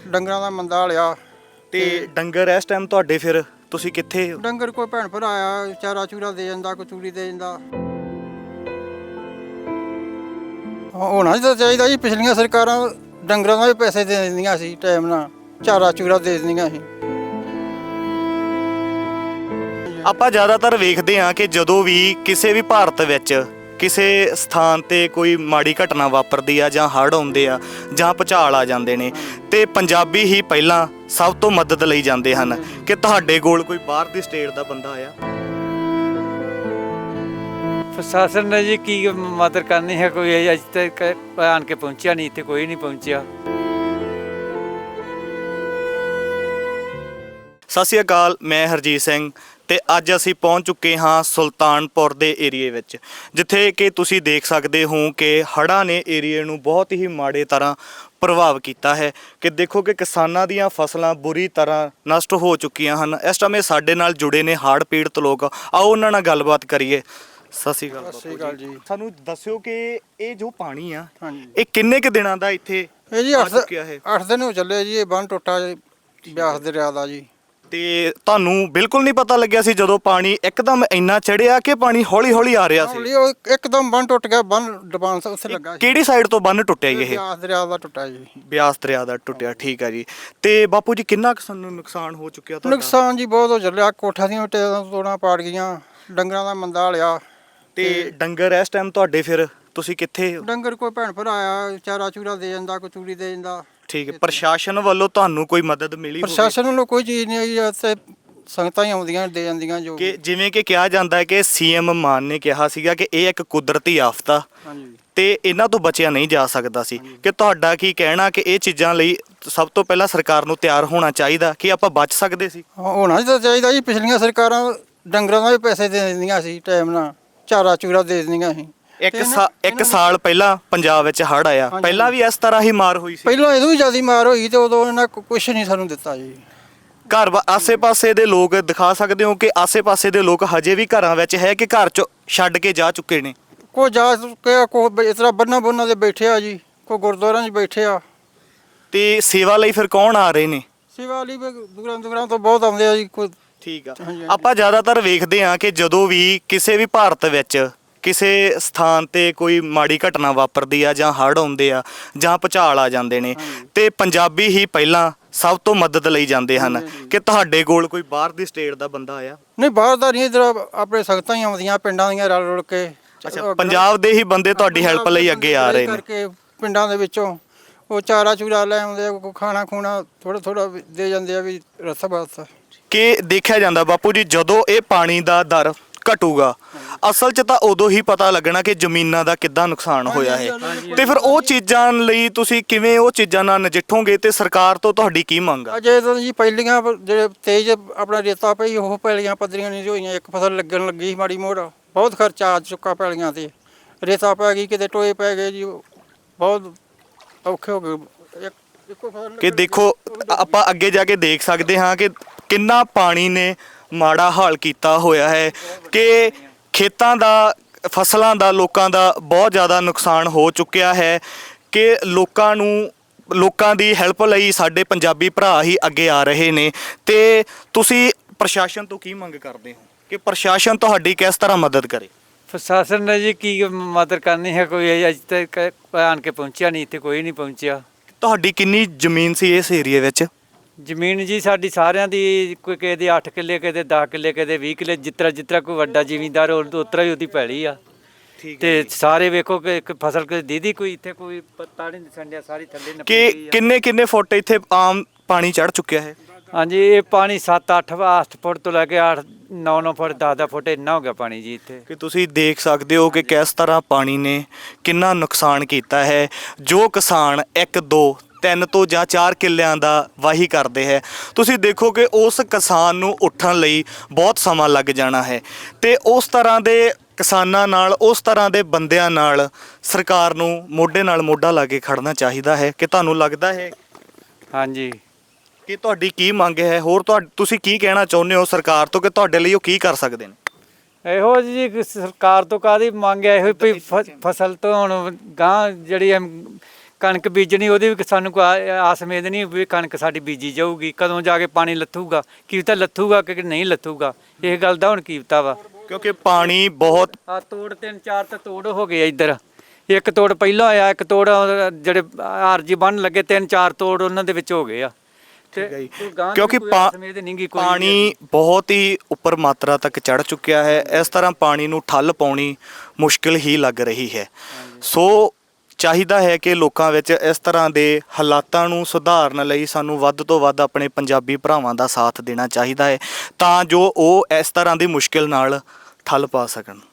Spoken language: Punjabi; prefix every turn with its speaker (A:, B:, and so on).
A: ਡੰਗਰਾਂ ਦਾ ਮੰਦਾ ਹਾਲਿਆ
B: ਤੇ ਡੰਗਰ ਇਸ ਟਾਈਮ ਤੁਹਾਡੇ ਫਿਰ ਤੁਸੀਂ ਕਿੱਥੇ ਹੋ?
A: ਡੰਗਰ ਕੋਈ ਭੈਣ ਭਰਾ ਆਇਆ ਚਾਰਾ ਚੂਰਾ ਦੇ ਜਾਂਦਾ, ਕੋਈ ਚੂੜੀ ਦੇ ਜਾਂਦਾ। ਹੋਣਾ ਤਾਂ ਚਾਹੀਦਾ ਜੀ, ਪਿਛਲੀਆਂ ਸਰਕਾਰਾਂ ਡੰਗਰਾਂ ਦਾ ਵੀ ਪੈਸੇ ਦੇ ਦਿੰਦੀਆਂ ਸੀ, ਟਾਈਮ ਨਾਲ ਚਾਰਾ ਚੂਰਾ ਦੇ ਦਿੰਦੀਆਂ ਸੀ।
B: ਆਪਾਂ ਜ਼ਿਆਦਾਤਰ ਵੇਖਦੇ ਹਾਂ ਕਿ ਜਦੋਂ ਵੀ ਕਿਸੇ ਵੀ ਭਾਰਤ ਵਿੱਚ ਕਿਸੇ ਸਥਾਨ ਤੇ ਕੋਈ ਮਾੜੀ ਘਟਨਾ ਵਾਪਰਦੀ ਆ ਜਾਂ ਹੜ੍ਹ ਆਉਂਦੇ ਆ ਜਾਂ ਭੁਚਾਲ ਆ ਜਾਂਦੇ ਨੇ ਤੇ ਪੰਜਾਬੀ ਹੀ ਪਹਿਲਾਂ ਸਭ ਤੋਂ ਮਦਦ ਲਈ ਜਾਂਦੇ ਹਨ। ਕਿ ਤੁਹਾਡੇ ਕੋਲ ਕੋਈ ਬਾਹਰ ਦੀ ਸਟੇਟ ਦਾ ਬੰਦਾ ਆਇਆ?
C: ਪ੍ਰਸ਼ਾਸਨ ਨੇ ਜੀ ਕੀ ਮਦਦ ਕਰਨੀ ਹੈ, ਕੋਈ ਅਜੇ ਤੱਕ ਆਣ ਕੇ ਪਹੁੰਚਿਆ ਨਹੀਂ, ਇੱਥੇ ਕੋਈ ਨਹੀਂ ਪਹੁੰਚਿਆ।
B: ਸਤਿ ਸ਼੍ਰੀ ਅਕਾਲ, ਮੈਂ ਹਰਜੀਤ ਸਿੰਘ ਤੇ ਅੱਜ ਅਸੀਂ ਪਹੁੰਚ ਚੁੱਕੇ ਹਾਂ ਸੁਲਤਾਨਪੁਰ ਦੇ ਏਰੀਏ ਵਿੱਚ, ਜਿੱਥੇ ਕਿ ਤੁਸੀਂ ਦੇਖ ਸਕਦੇ ਹੋ ਕਿ ਹੜ੍ਹਾਂ ਨੇ ਏਰੀਏ ਨੂੰ ਬਹੁਤ ਹੀ ਮਾੜੇ ਤਰ੍ਹਾਂ ਪ੍ਰਭਾਵ ਕੀਤਾ ਹੈ। ਕਿ ਦੇਖੋ ਕਿ ਕਿਸਾਨਾਂ ਦੀਆਂ ਫਸਲਾਂ ਬੁਰੀ ਤਰ੍ਹਾਂ ਨਸ਼ਟ ਹੋ ਚੁੱਕੀਆਂ ਹਨ। ਇਸ ਟਾਈਮ ਸਾਡੇ ਨਾਲ ਜੁੜੇ ਨੇ ਹੜ੍ਹ ਪੀੜਤ ਲੋਕ, ਆਓ ਉਹਨਾਂ ਨਾਲ ਗੱਲਬਾਤ ਕਰੀਏ। ਸਤਿ ਸ਼੍ਰੀ ਅਕਾਲ।
A: ਸਤਿ ਸ਼੍ਰੀ ਅਕਾਲ ਜੀ।
B: ਸਾਨੂੰ ਦੱਸਿਓ ਕਿ ਇਹ ਜੋ ਪਾਣੀ ਆ
A: ਹਾਂਜੀ,
B: ਇਹ ਕਿੰਨੇ ਕੁ ਦਿਨਾਂ ਦਾ ਇੱਥੇ
A: ਇਹ ਜੀ
B: ਆ
A: 8
B: ਚੁੱਕਿਆ ਹੈ?
A: 8 ਦਿਨ ਹੋ ਚੱਲੇ ਜੀ। ਇਹ ਬੰਨ ਟੁੱਟਾ ਬਿਆਸ ਦਰਿਆ ਦਾ ਜੀ।
B: ਤੇ ਤੁਹਾਨੂੰ ਬਿਲਕੁਲ ਨਹੀਂ ਪਤਾ ਲੱਗਿਆ ਸੀ ਜਦੋਂ ਪਾਣੀ ਇੱਕਦਮ ਇੰਨਾ ਚੜਿਆ ਕਿ ਪਾਣੀ ਹੌਲੀ ਹੌਲੀ ਆ ਰਿਹਾ ਸੀ?
A: ਹੌਲੀ ਉਹ ਇੱਕਦਮ ਬੰਨ ਟੁੱਟ ਗਿਆ, ਬੰਨ ਡਬਾਨ ਉੱਥੇ ਲੱਗਾ ਸੀ।
B: ਕਿਹੜੀ ਸਾਈਡ ਤੋਂ ਬੰਨ ਟੁੱਟਿਆ ਜੀ ਇਹ?
A: ਬਿਆਸ ਦਰਿਆ ਦਾ ਟੁੱਟਾ ਜੀ।
B: ਬਿਆਸ ਦਰਿਆ ਦਾ ਟੁੱਟਿਆ, ਠੀਕ ਹੈ ਜੀ। ਤੇ ਬਾਪੂ ਜੀ ਕਿੰਨਾ ਕੁ ਸਾਨੂੰ ਨੁਕਸਾਨ ਹੋ ਚੁੱਕਿਆ ਤੁਹਾਡਾ?
A: ਨੁਕਸਾਨ ਜੀ ਬਹੁਤ ਹੋ ਚੱਲਿਆ, ਕੋਠਾ ਦੀਆਂ ਤੋੜਾਂ ਪਾੜ ਗਈਆਂ, ਡੰਗਰਾਂ ਦਾ ਮੰਦਾ ਹਾਲਿਆ।
B: ਤੇ ਡੰਗਰ ਇਸ ਟਾਈਮ ਤੁਹਾਡੇ ਫਿਰ ਤੁਸੀਂ ਕਿੱਥੇ ਹੋ?
A: ਡੰਗਰ ਕੋਈ ਭੈਣ ਭਰਾ ਆਇਆ ਚਾਰਾ ਚੂਰਾ ਦੇ ਜਾਂਦਾ, ਕੋਈ ਚੂੜੀ ਦੇ ਜਾਂਦਾ।
B: ਠੀਕ ਹੈ, ਪ੍ਰਸ਼ਾਸਨ ਵੱਲੋਂ ਤੁਹਾਨੂੰ ਕੋਈ ਮਦਦ ਮਿਲੀ ਹੋਵੇ?
A: ਪ੍ਰਸ਼ਾਸਨ ਵੱਲੋਂ ਕੋਈ ਚੀਜ਼ ਨਹੀਂ ਆਈ, ਤੇ ਸੰਗਤਾਂ ਹੀ ਆਉਂਦੀਆਂ ਦੇ ਜਾਂਦੀਆਂ ਜੋ।
B: ਕਿ ਜਿਵੇਂ ਕਿ ਕਿਹਾ ਜਾਂਦਾ ਹੈ ਕਿ ਸੀਐਮ ਮਾਨ ਨੇ ਕਿਹਾ ਸੀਗਾ ਕਿ ਇਹ ਇੱਕ ਕੁਦਰਤੀ ਆਫਤ ਆ
A: ਹਾਂਜੀ,
B: ਤੇ ਇਹਨਾਂ ਤੋਂ ਬਚਿਆ ਨਹੀਂ ਜਾ ਸਕਦਾ ਸੀ। ਕਿ ਤੁਹਾਡਾ ਕੀ ਕਹਿਣਾ ਕਿ ਇਹ ਚੀਜ਼ਾਂ ਲਈ ਸਭ ਤੋਂ ਪਹਿਲਾਂ ਸਰਕਾਰ ਨੂੰ ਤਿਆਰ ਹੋਣਾ ਚਾਹੀਦਾ ਕਿ ਆਪਾਂ ਬਚ ਸਕਦੇ ਸੀ?
A: ਹੋਣਾ ਤਾਂ ਚਾਹੀਦਾ ਜੀ। ਪਿਛਲੀਆਂ ਸਰਕਾਰਾਂ ਡੰਗਰਾਂ ਦਾ ਵੀ ਪੈਸੇ ਦੇ ਦਿੰਦੀਆਂ ਸੀ, ਟਾਈਮ ਨਾਲ ਚਾਰਾ ਚੂਰਾ ਦੇ ਦਿੰਦੀਆਂ ਸੀ।
B: ਇੱਕ ਸਾਲ ਪਹਿਲਾਂ ਪੰਜਾਬ ਵਿੱਚ ਹੜ੍ਹ ਆਇਆ,
A: ਹਾਂਜੀ।
B: ਪਹਿਲਾਂ ਵੀ ਇਸ ਤਰ੍ਹਾਂ ਹੀ ਮਾਰ ਹੋਈ ਸੀ?
A: ਪਹਿਲਾਂ ਇਹਦੋਂ ਵੀ ਜ਼ਿਆਦਾ ਮਾਰ ਹੋਈ ਤੇ ਉਦੋਂ ਇਹਨਾਂ ਕੁਝ ਨਹੀਂ ਸਾਨੂੰ ਦਿੱਤਾ ਜੀ।
B: ਘਰ ਆਸੇ-ਪਾਸੇ ਦੇ ਲੋਕ ਦਿਖਾ ਸਕਦੇ ਹੋ ਕਿ ਆਸੇ-ਪਾਸੇ ਦੇ ਲੋਕ ਹਜੇ ਵੀ ਘਰਾਂ ਵਿੱਚ ਹੈ ਕਿ ਘਰ ਚ ਛੱਡ ਕੇ ਜਾ ਚੁੱਕੇ ਨੇ?
A: ਕੋਈ ਜਾ ਚੁੱਕਿਆ, ਕੋਈ ਇਸ ਤਰ੍ਹਾਂ ਬੰਨਾਂ ਦੇ ਬੈਠੇ ਆ ਜੀ, ਕੋਈ ਗੁਰਦੁਆਰਿਆਂ 'ਚ ਬੈਠੇ ਆ।
B: ਤੇ ਸੇਵਾ ਲਈ ਫਿਰ ਕੌਣ ਆ ਰਹੇ ਨੇ?
A: ਸੇਵਾ ਲਈ ਵੀ ਦੂਰਾਂ ਤੋਂ ਬਹੁਤ ਆਉਂਦੇ ਆ ਜੀ। ਕੋਈ
B: ਠੀਕ ਆ।
A: ਹਾਂਜੀ।
B: ਆਪਾਂ ਜ਼ਿਆਦਾਤਰ ਵੇਖਦੇ ਹਾਂ ਕਿ ਜਦੋਂ ਵੀ ਕਿਸੇ ਵੀ ਭਾਰਤ ਵਿੱਚ ਕਿਸੇ ਸਥਾਨ ਤੇ ਕੋਈ ਮਾੜੀ ਘਟਨਾ ਵਾਪਰਦੀ ਆ ਜਾਂ ਹੜ੍ਹ ਆਉਂਦੇ ਆ ਜਾਂ ਭੁਚਾਲ ਆ ਜਾਂਦੇ ਨੇ ਤੇ ਪੰਜਾਬੀ ਹੀ ਪਹਿਲਾਂ ਸਭ ਤੋਂ ਮਦਦ ਲਈ ਜਾਂਦੇ ਹਨ। ਕਿ ਤੁਹਾਡੇ ਕੋਲ ਕੋਈ ਬਾਹਰ ਦੀ ਸਟੇਟ ਦਾ ਬੰਦਾ ਆਇਆ?
A: ਨਹੀਂ, ਬਾਹਰ ਦਾ ਨਹੀਂ, ਇੱਧਰ ਆਪਣੇ ਸੰਗਤਾਂ ਹੀ ਆਉਂਦੀਆਂ ਪਿੰਡਾਂ ਦੀਆਂ ਰਲ ਰੁਲ ਕੇ।
B: ਅੱਛਾ, ਪੰਜਾਬ ਦੇ ਹੀ ਬੰਦੇ ਤੁਹਾਡੀ ਹੈਲਪ ਲਈ ਅੱਗੇ ਆ ਰਹੇ ਨੇ?
A: ਕਰਕੇ ਪਿੰਡਾਂ ਦੇ ਵਿੱਚੋਂ ਉਹ ਚਾਰਾ ਚੂਰਾ ਲੈ ਆਉਂਦੇ ਆ, ਕੋਈ ਖਾਣਾ ਖੂਣਾ ਥੋੜਾ ਦੇ ਜਾਂਦੇ ਆ ਵੀ ਰਸਾ ਬਸ।
B: ਕਿ ਦੇਖਿਆ ਜਾਂਦਾ ਬਾਪੂ ਜੀ, ਜਦੋਂ ਇਹ ਪਾਣੀ ਦਾ ਦਰ ਘਟੂਗਾ ਅਸਲ 'ਚ ਤਾਂ ਉਦੋਂ ਹੀ ਪਤਾ ਲੱਗਣਾ ਕਿ ਜ਼ਮੀਨਾਂ ਦਾ ਕਿੱਦਾਂ ਨੁਕਸਾਨ ਹੋਇਆ ਹੈ। ਤੇ ਫਿਰ ਉਹ ਚੀਜ਼ਾਂ ਲਈ ਤੁਸੀਂ ਕਿਵੇਂ ਉਹ ਚੀਜ਼ਾਂ ਨਾਲ ਨਜਿੱਠੋਗੇ ਤੇ ਸਰਕਾਰ ਤੋਂ ਤੁਹਾਡੀ ਕੀ ਮੰਗ ਆ?
A: ਅਜੇ ਤਾਂ ਜੀ ਪਹਿਲੀਆਂ ਜਿਹੜੇ ਤੇਜ਼ ਆਪਣਾ ਰੇਤਾ ਪਈ, ਉਹ ਪੈਲੀਆਂ ਪੱਧਰੀਆਂ ਨਹੀਂ ਹੋਈਆਂ। ਇੱਕ ਫਸਲ ਲੱਗਣ ਲੱਗੀ ਸੀ ਮਾੜੀ ਮੋੜ, ਬਹੁਤ ਖਰਚਾ ਆ ਚੁੱਕਾ ਪੈਲੀਆਂ ਤੇ। ਰੇਤਾ ਪੈ ਗਈ, ਕਿਤੇ ਟੋਏ ਪੈ ਗਏ ਜੀ, ਬਹੁਤ ਔਖੇ ਹੋ ਗਏ। ਇੱਕੋ ਫਸਲ
B: ਕਿ ਦੇਖੋ ਆਪਾਂ ਅੱਗੇ ਜਾ ਕੇ ਦੇਖ ਸਕਦੇ ਹਾਂ ਕਿ ਕਿੰਨਾ ਪਾਣੀ ਨੇ ਮਾੜਾ ਹਾਲ ਕੀਤਾ ਹੋਇਆ ਹੈ। ਕਿ ਖੇਤਾਂ ਦਾ, ਫਸਲਾਂ ਦਾ, ਲੋਕਾਂ ਦਾ ਬਹੁਤ ਜ਼ਿਆਦਾ ਨੁਕਸਾਨ ਹੋ ਚੁੱਕਿਆ ਹੈ। ਕਿ ਲੋਕਾਂ ਦੀ ਹੈਲਪ ਲਈ ਸਾਡੇ ਪੰਜਾਬੀ ਭਰਾ ਹੀ ਅੱਗੇ ਆ ਰਹੇ ਨੇ। ਤੇ ਤੁਸੀਂ ਪ੍ਰਸ਼ਾਸਨ ਤੋਂ ਕੀ ਮੰਗ ਕਰਦੇ ਹੋ ਕਿ ਪ੍ਰਸ਼ਾਸਨ ਤੁਹਾਡੀ ਕਿਸ ਤਰ੍ਹਾਂ ਮਦਦ ਕਰੇ?
C: ਪ੍ਰਸ਼ਾਸਨ ਨੇ ਜੀ ਕੀ ਮਦਦ ਕਰਨੀ ਹੈ, ਕੋਈ ਅਜੇ ਤੱਕ ਆਣ ਕੇ ਪਹੁੰਚਿਆ ਨਹੀਂ, ਇੱਥੇ ਕੋਈ ਨਹੀਂ ਪਹੁੰਚਿਆ।
B: ਤੁਹਾਡੀ ਕਿੰਨੀ ਜ਼ਮੀਨ ਸੀ ਇਸ ਏਰੀਏ ਵਿੱਚ?
C: ਜ਼ਮੀਨ ਜੀ ਸਾਡੀ ਸਾਰਿਆਂ ਦੀ, ਕੋਈ ਕਿਸੇ ਦੀ 8 ਕਿੱਲੇ, ਕਿਸੇ ਦੇ 10 ਕਿੱਲੇ, ਕਿਸੇ ਦੇ 20 ਕਿੱਲੇ, ਜਿੱਤਰਾ ਕੋਈ ਵੱਡਾ ਜ਼ਿਮੀਂਦਾਰ ਉਤਰਾ ਹੀ ਉਹਦੀ ਪੈਲੀ ਆ। ਤੇ ਸਾਰੇ ਵੇਖੋ ਕਿ ਇੱਕ ਫਸਲ ਕੋਈ ਦੀਦੀ, ਕੋਈ ਇੱਥੇ ਕੋਈ ਪੱਤਾ ਨਹੀਂ ਦਿਸਣ ਡਿਆ, ਸਾਰੀ ਥੱਲੇ ਨੱਪੀ
B: ਕਿ ਕਿੰਨੇ ਫੁੱਟ ਇੱਥੇ ਆਮ ਪਾਣੀ ਚੜ ਚੁੱਕਿਆ ਹੈ?
C: ਹਾਂਜੀ, ਇਹ ਪਾਣੀ 7-8 ਫੁੱਟ ਤੋਂ ਲੈ ਕੇ 8-9 ਫੁੱਟ 10 ਫੁੱਟ ਇੰਨਾ ਹੋ ਗਿਆ ਪਾਣੀ ਜੀ ਇੱਥੇ।
B: ਕਿ ਤੁਸੀਂ ਦੇਖ ਸਕਦੇ ਹੋ ਕਿ ਕਿਸ ਤਰ੍ਹਾਂ ਪਾਣੀ ਨੇ ਕਿੰਨਾ ਨੁਕਸਾਨ ਕੀਤਾ ਹੈ। ਜੋ ਕਿਸਾਨ 1 2 3 ਤੋਂ ਜਾਂ 4 ਕਿੱਲਿਆਂ ਦਾ ਵਾਹੀ ਕਰਦੇ ਹੈ, ਤੁਸੀਂ ਦੇਖੋ ਕਿ ਉਸ ਕਿਸਾਨ ਨੂੰ ਉੱਠਣ ਲਈ ਬਹੁਤ ਸਮਾਂ ਲੱਗ ਜਾਣਾ ਹੈ। ਤੇ ਉਸ ਤਰ੍ਹਾਂ ਦੇ ਕਿਸਾਨਾਂ ਨਾਲ, ਉਸ ਤਰ੍ਹਾਂ ਦੇ ਬੰਦਿਆਂ ਨਾਲ ਸਰਕਾਰ ਨੂੰ ਮੋਢੇ ਨਾਲ ਮੋਢਾ ਲਾ ਕੇ ਖੜਨਾ ਚਾਹੀਦਾ ਹੈ। ਕਿ ਤੁਹਾਨੂੰ ਲੱਗਦਾ ਹੈ?
C: ਹਾਂਜੀ।
B: ਕਿ ਤੁਹਾਡੀ ਕੀ ਮੰਗ ਹੈ? ਹੋਰ ਤੁਸੀਂ ਕੀ ਕਹਿਣਾ ਚਾਹੁੰਦੇ ਹੋ ਸਰਕਾਰ ਤੋਂ ਕਿ ਤੁਹਾਡੇ ਲਈ ਉਹ ਕੀ ਕਰ ਸਕਦੇ ਨੇ?
C: ਇਹੋ ਜੀ ਸਰਕਾਰ ਤੋਂ ਕਾਹਦੀ ਮੰਗ ਹੈ? ਇਹੋ ਵੀ ਫਸਲ ਤੋਂ ਹੁਣ ਗਾਂ ਜਿਹੜੀ ਕਣਕ ਬੀਜਣੀ ਉਹਦੀ ਵੀ ਸਾਨੂੰ ਕੋਈ ਆਸ ਉਮੀਦ ਨਹੀਂ ਵੀ ਕਣਕ ਸਾਡੀ ਬੀਜੀ ਜਾਊਗੀ, ਕਦੋਂ ਜਾ ਕੇ ਪਾਣੀ ਲੱਥੂਗਾ, ਕੀ ਪਤਾ ਲੱਥੂਗਾ ਕਿ ਨਹੀਂ ਲੱਥੂਗਾ, ਇਹ ਗੱਲ ਦਾ ਹੁਣ ਕੀ ਪਤਾ ਵਾ।
B: ਕਿਉਂਕਿ ਪਾਣੀ ਬਹੁਤ
C: ਆ ਤੋੜ 3-4 ਤਾਂ ਤੋੜ ਹੋ ਗਏ ਇੱਧਰ, ਇੱਕ ਤੋੜ ਪਹਿਲਾਂ ਆਇਆ, ਇੱਕ ਤੋੜ ਜਿਹੜੇ ਆਰਜੀ ਬੰਨ ਲੱਗੇ 3-4 ਤੋੜ ਉਹਨਾਂ ਦੇ ਵਿੱਚ ਹੋ ਗਏ ਆ। ਤੇ ਕੋਈ ਗਾਂਹ ਦੀ
B: ਕਿਉਂਕਿ
C: ਕੋਈ ਆਸ ਉਮੀਦ ਨਹੀਂ ਗੀ ਕੋਈ ਵੀ।
B: ਪਾਣੀ ਬਹੁਤ ਹੀ ਉੱਪਰ ਮਾਤਰਾ ਤੱਕ ਚੜ ਚੁੱਕਿਆ ਹੈ। ਇਸ ਤਰ੍ਹਾਂ ਪਾਣੀ ਨੂੰ ਠੱਲ ਪਾਉਣੀ ਮੁਸ਼ਕਿਲ ਹੀ ਲੱਗ ਰਹੀ ਹੈ। ਸੋ ਚਾਹੀਦਾ ਹੈ ਕਿ ਲੋਕਾਂ ਵਿੱਚ ਇਸ ਤਰ੍ਹਾਂ ਦੇ ਹਾਲਾਤਾਂ ਨੂੰ ਸੁਧਾਰਨ ਲਈ ਸਾਨੂੰ ਵੱਧ ਤੋਂ ਵੱਧ ਆਪਣੇ ਪੰਜਾਬੀ ਭਰਾਵਾਂ ਦਾ ਸਾਥ ਦੇਣਾ ਚਾਹੀਦਾ ਹੈ, ਤਾਂ ਜੋ ਉਹ ਇਸ ਤਰ੍ਹਾਂ ਦੀ ਮੁਸ਼ਕਿਲ ਨਾਲ ਠੱਲ ਪਾ ਸਕਣ।